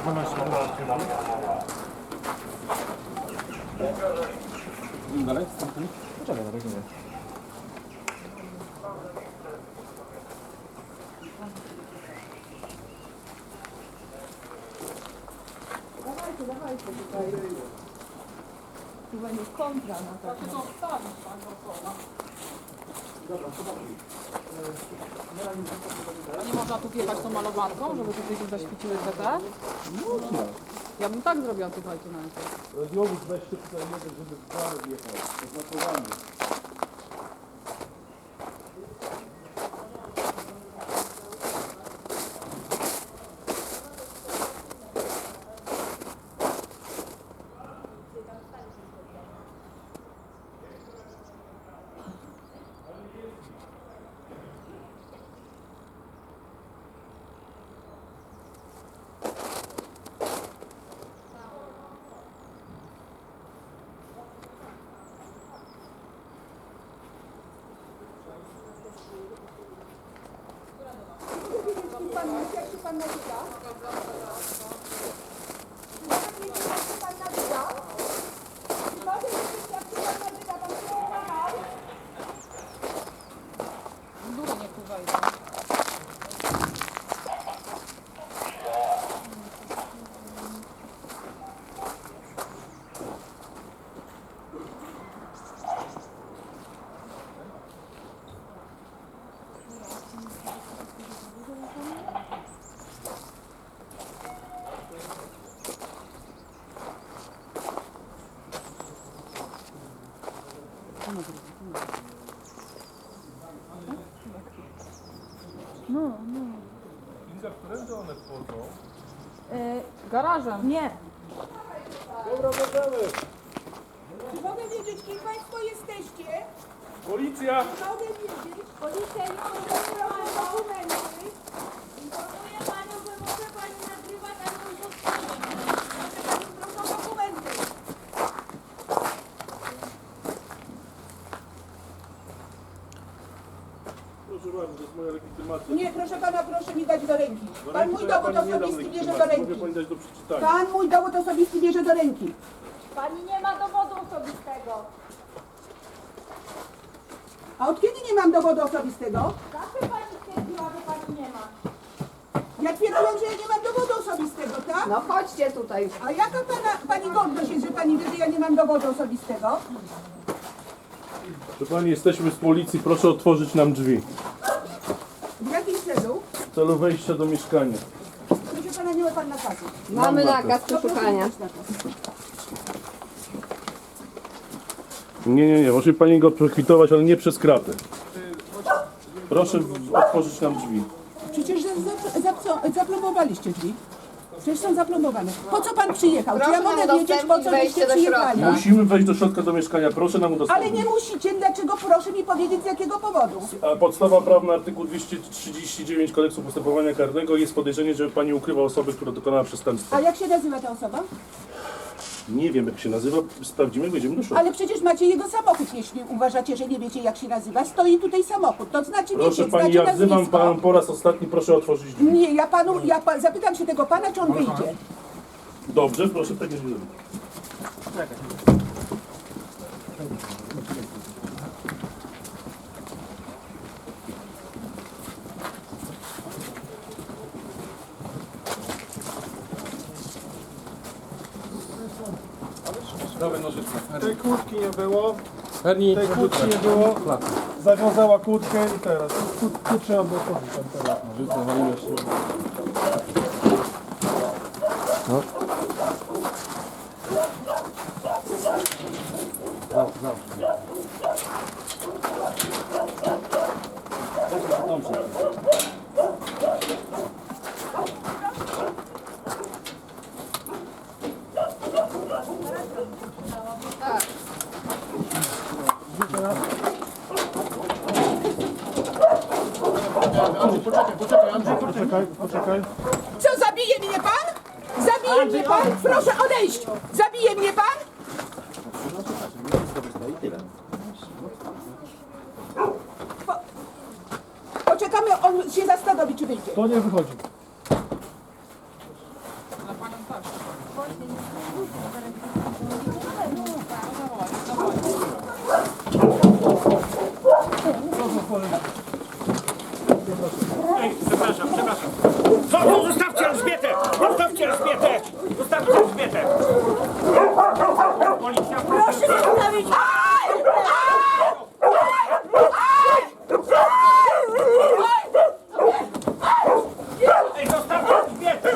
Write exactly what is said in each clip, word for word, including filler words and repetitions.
dwanaście lat. Dalej? Poczekaj, na razie nie. Dawajcie, dawajcie tutaj. Tu będzie kontra na pewno. Nie można tu wjechać tą malowanką, żeby tutaj się zaświeciły te te? Można. Ja bym tak zrobiła, słuchajcie, na to. Radiowóz weźcie tutaj jeden, żeby w prawo wjechał. Oznakowanie. Pan, jak się pan nazywa? Jak się pan nazywa? Mogę wiedzieć, jak się pan nazywa? Pan się ułamał? Długo nie tu wejdę. No, no. Inga, którędy one wchodzą? E, Garażem. nie. Dobra, możemy. Czy mogę wiedzieć, kim państwo jesteście? Policja! Mogę wiedzieć. Policja informuje dokumenty. Informuję panią, że może pani nagrywać, a nie udostępniać. Proszę dokumenty. Proszę bardzo, to jest moja legitymacja. Nie, proszę pana, proszę mi dać do ręki. Do Pan ręki mój to ja dowód pani nie dam osobisty bierze do legitymacji. ręki. Mogę pani dać do przeczytania. Pan mój dowód osobisty bierze do ręki. Pani nie ma dowodu osobistego. A od kiedy nie mam dowodu osobistego? Zawsze pani stwierdziła, że pani nie ma. Ja twierdziłam, że ja nie mam dowodu osobistego, tak? No chodźcie tutaj. A jaka pana, pani godność jest, że pani wie, że ja nie mam dowodu osobistego? Proszę pani, jesteśmy z policji, proszę otworzyć nam drzwi. W jakim celu? W celu wejścia do mieszkania. Proszę pana, nie ma pan nakazu. Mamy nakaz. nakaz To proszę przeszukania. mi dać nakaz. Nie, nie, nie, może pani go przekwitować, ale nie przez kratę. Proszę otworzyć nam drzwi. Przecież za- za- za- zaplomowaliście drzwi. Przecież są zaplomowane. Po co pan przyjechał? Czy ja Proszę mogę nam wiedzieć, po udostępnić co wejście byście do przyjechali? środka. Musimy wejść do środka do mieszkania, proszę nam Ale udostępnić. nie musicie. Dlaczego? Proszę mi powiedzieć, z jakiego powodu. A podstawa prawna artykuł dwieście trzydzieści dziewięć Kodeksu Postępowania Karnego jest podejrzenie, że pani ukrywa osobę, która dokonała przestępstwa. A jak się nazywa ta osoba? Nie wiem jak się nazywa, sprawdzimy, wejdziemy do środka. Ale przecież macie jego samochód, jeśli uważacie, że nie wiecie, jak się nazywa. Stoi tutaj samochód. To znaczy Proszę wiecie, pani, znacie ja wzywam nazwisko. panią po raz ostatni, proszę otworzyć drzwi. Nie, ja panu, ja pa, zapytam się tego pana, czy on wyjdzie. Dobrze, proszę tak nie zrobić. Tej kłódki nie było. Tej kłódki nie było. Zawiązała kłódkę i teraz. Tu trzeba było chodzić tam teraz. Poczekaj, poczekaj. Co, zabije mnie pan? Zabije mnie pan? Proszę odejść! Zabije mnie pan? Po, poczekamy, on się zastanowi, czy wyjdzie. To nie wychodzi. Ale panią Przepraszam, przepraszam. Co to? Zostawcie Elżbietę! Zostawcie Elżbietę! Zostawcie Elżbietę! Policja, proszę! Zostawić! Ej, zostawcie Elżbietę!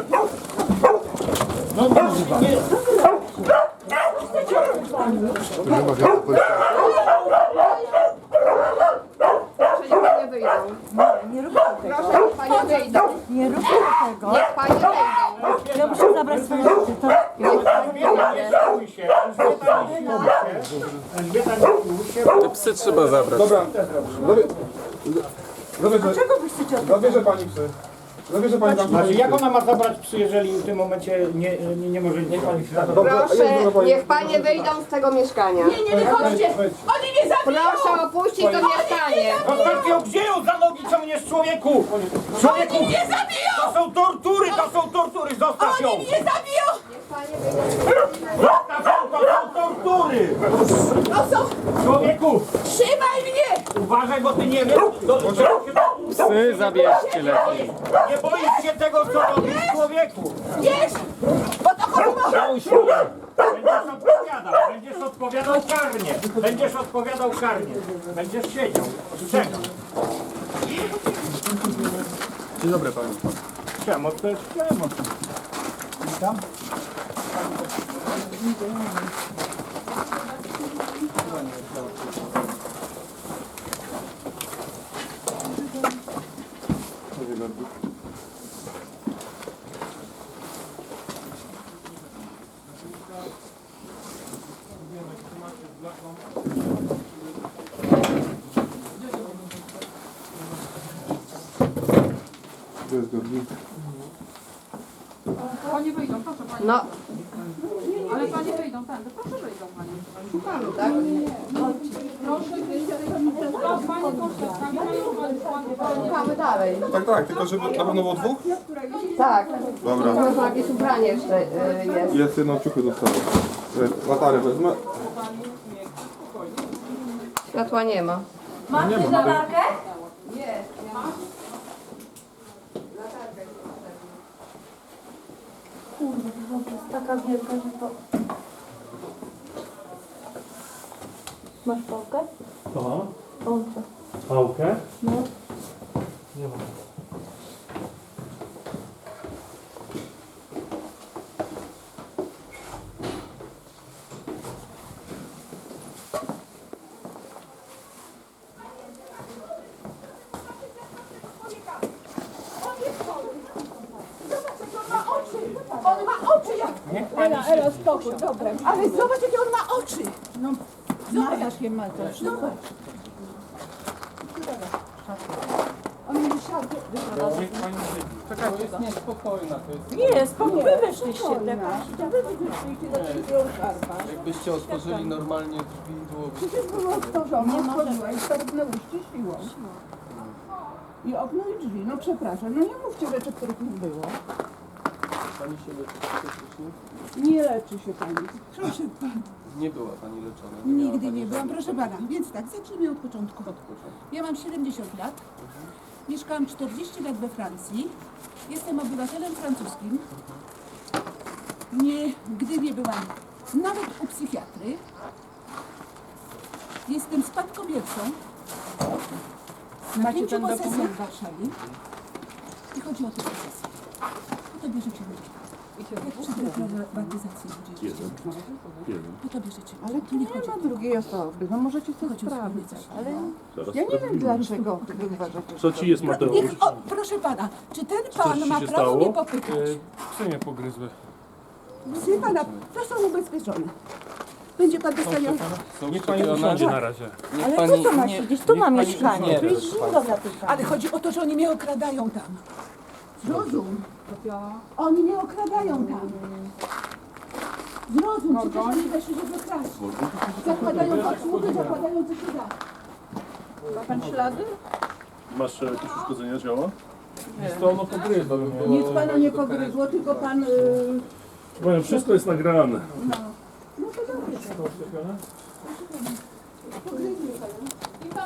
Proszę, niech panie wyjdą. Nie róbcie tego. Proszę, niech panie wyjdą. Nie róbcie tego. Niech panie wyjdą. Ja muszę zabrać swoje rzeczy. To... Niech pan wyjdzie. Spójrz się, Elżbieta, nie spójrz się. Elżbieta, nie spójrz się. Te psy trzeba zabrać. Dobra, zabie... zabierze, Czego wy chcecie od zabierze pani psy. Zabierze pani tam Znaczy, psy. jak ona ma zabrać psy, jeżeli w tym momencie nie, nie, nie może nie pani Dobrze, a jest Proszę, dobra pani. niech panie wyjdą z tego mieszkania. Nie, nie wychodźcie! Wejdź. Oni mnie zabiją! Proszę opuścić to mieszkanie. Zostawcie ją, gdzie ją za nogi ciągniesz, człowieku! Człowieku! Oni mnie zabiją! To są tortury, to są tortury, zostaw ją! Oni mnie zabiją! Niech panie wyjdą. Zostaw ją, to są tortury! To są... Człowieku! Trzymaj mnie! Uważaj, bo ty nie wiesz, do, do, Psy zabierzcie lepiej. nie boisz się tego, co robisz, człowieku! Wiesz! Bo to choroba! Będziesz odpowiadał, będziesz odpowiadał karnie, będziesz odpowiadał karnie, będziesz siedział, strzegał. Dzień dobry panu. Przemoc to jest przemoc. Witam. Panie wyjdą, proszę pani. No. Ale panie wyjdą, tędy, proszę wyjdą pani. Szukamy, tak? Proszę wyjść, ale pani proszę, szukamy dalej. Tak, tak, tylko żeby na pewno było dwóch? Tak. Dobra. Może jakieś ubranie jeszcze y, jest. Jest jedno ciuchy dostało. Latarę wezmę. Światła nie ma. Masz też latarkę? Kurde, to jest taka wielka, że to... Masz pałkę? Aha. Pałkę. Pałkę? No. Nie mam. On ma oczy jak... Ela, Ela, spokój, dobra. Ale zobacz, jakie on ma oczy. No, zobacz, jakie ma to. Zobacz. On mi siadł. To jest niespokojna. To jest... Nie, spokój, wy weszliście. Wy weszliście do trzeciego szarpa. Jakbyście otworzyli normalnie drzwi, byłoby... Przecież było otworzone, otworzyła i szarpnęłyście siłą. I okno i drzwi, no przepraszam, no nie mówcie rzeczy, których nie było. Pani się leczy psychicznie? Nie leczy się pani. Proszę pana. Nie była pani leczona. Nie miała Nigdy pani nie byłam, żadnych proszę pana. Więc tak, zacznijmy od początku. Ja mam siedemdziesiąt lat. Mieszkałam czterdzieści lat we Francji. Jestem obywatelem francuskim. Nigdy nie byłam nawet u psychiatry. Jestem spadkobiercą. Na pięciu posesjach w Warszawie. I chodzi o te posesje. Po to bierzecie ludzi. Jak przy reprywatyzacji ludzie. Jeden. Jeden. Po to bierzecie ludzi. Ale tu nie ma drugiej osoby, no możecie to Chodzi o sprawdzić. sprawdzać. Ale Zaraz ja nie wiem sprawdzimy. dlaczego wy uważacie, Co ci jest, Mateusz? Niech, o, proszę pana, czy ten pan ci ma się prawo stało? mnie popytać? Psy mnie pogryzły. Psy pana, to są ubezpieczone. Będzie pan dostaniał... Są szczepione. Na razie. Niech Ale pani co to ma nie- siedzieć? Tu niech ma pani mieszkanie, nie tu jest wie, zimno zatykane. Ale chodzi o to, że oni mnie okradają tam. Zrozum. Oni mnie okradają tam. Zrozum, przecież oni weszli, żeby kraść. Zakładają obsługę, zakładają co się da. Ma pan ślady? Masz e, jakieś uszkodzenia ciała? To ono pogryzło. by było- Nic pana nie pogryzło, tylko pan... Yy, Powiem, wszystko jest nagrane. no to dobrze. Pogryzły pana.